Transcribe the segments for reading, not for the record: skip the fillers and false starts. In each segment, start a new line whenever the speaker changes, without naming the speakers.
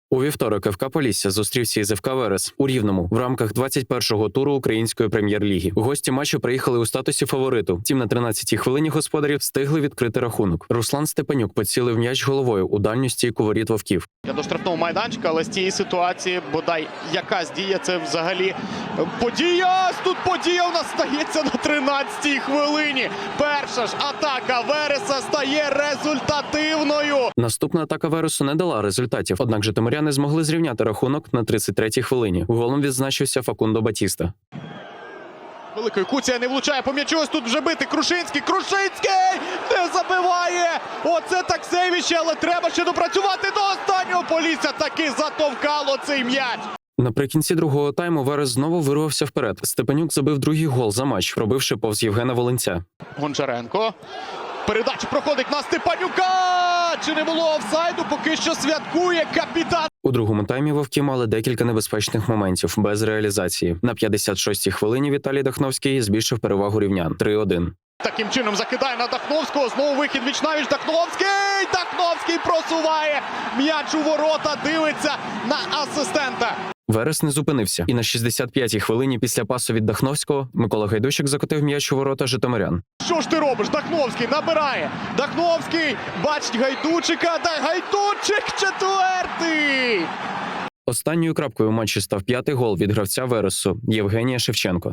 У вівторок ФК Полісся зустрівся із ФК Верес у Рівному в рамках 21-го туру Української прем'єр-ліги. Гості матчу приїхали у статусі фавориту. Втім, на 13-й хвилині господарі встигли відкрити рахунок. Руслан Степанюк поцілив м'яч головою у дальню стійку воріт вовків.
До штрафного майданчика, але з цієї ситуації, бодай якась дія, це взагалі подія. Тут подія у нас стається на 13-й хвилині. Перша ж атака Вереса стає результативною.
Наступна атака Вересу не дала результатів, однак житомиряни змогли зрівняти рахунок на 33-й хвилині. Голом відзначився Факундо Батіста.
Великою Куція не влучає по м'ячу, ось тут вже бити Крушинський. Крушинський не забиває! Оце так сейвище, але треба ще допрацювати до останнього. Полісся таки затовкало цей м'яч.
Наприкінці другого тайму Верес знову вирвався вперед. Степанюк забив другий гол за матч, пробивши повз Євгена Волинця.
Гончаренко. Передача проходить на Степанюка! Чи не було офсайду? Поки що святкує капітан.
У другому таймі вовки мали декілька небезпечних моментів без реалізації. На 56-й хвилині Віталій Дахновський збільшив перевагу рівнян 3-1.
Таким чином закидає на Дахновського. Знову вихід віч-навіч. Дахновський! Дахновський просуває м'яч у ворота. Дивиться на асистента.
Верес не зупинився. І на 65-й хвилині після пасу від Дахновського Микола Гайдущик закотив м'яч у ворота житомирян.
Що ж ти робиш? Дахновський набирає. Дахновський бачить Гайдучика. Гайдучик четвертий!
Останньою крапкою у матчі став п'ятий гол від гравця Вересу Євгенія Шевченко.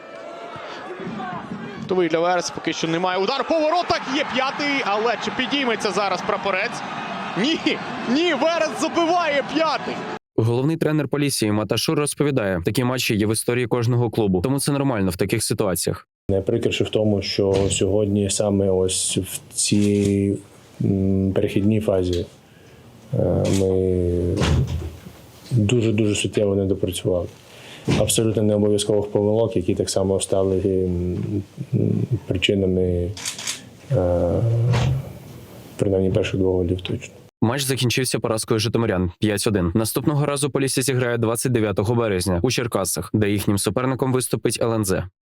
Готовий для Вереса, поки що немає удару. По воротах є п'ятий, але чи підійметься зараз прапорець? Ні, Верес забиває п'ятий.
Головний тренер Полісся Маташур розповідає, такі матчі є в історії кожного клубу, тому це нормально в таких ситуаціях.
Найприкріше в тому, що сьогодні саме ось в цій перехідній фазі ми дуже суттєво не допрацювали. Абсолютно не обов'язкових помилок, які так само стали причинами принаймні перших двох голів точно.
Матч закінчився поразкою житомирян 5-1. Наступного разу Полісся зіграє 29 березня у Черкасах, де їхнім суперником виступить ЛНЗ.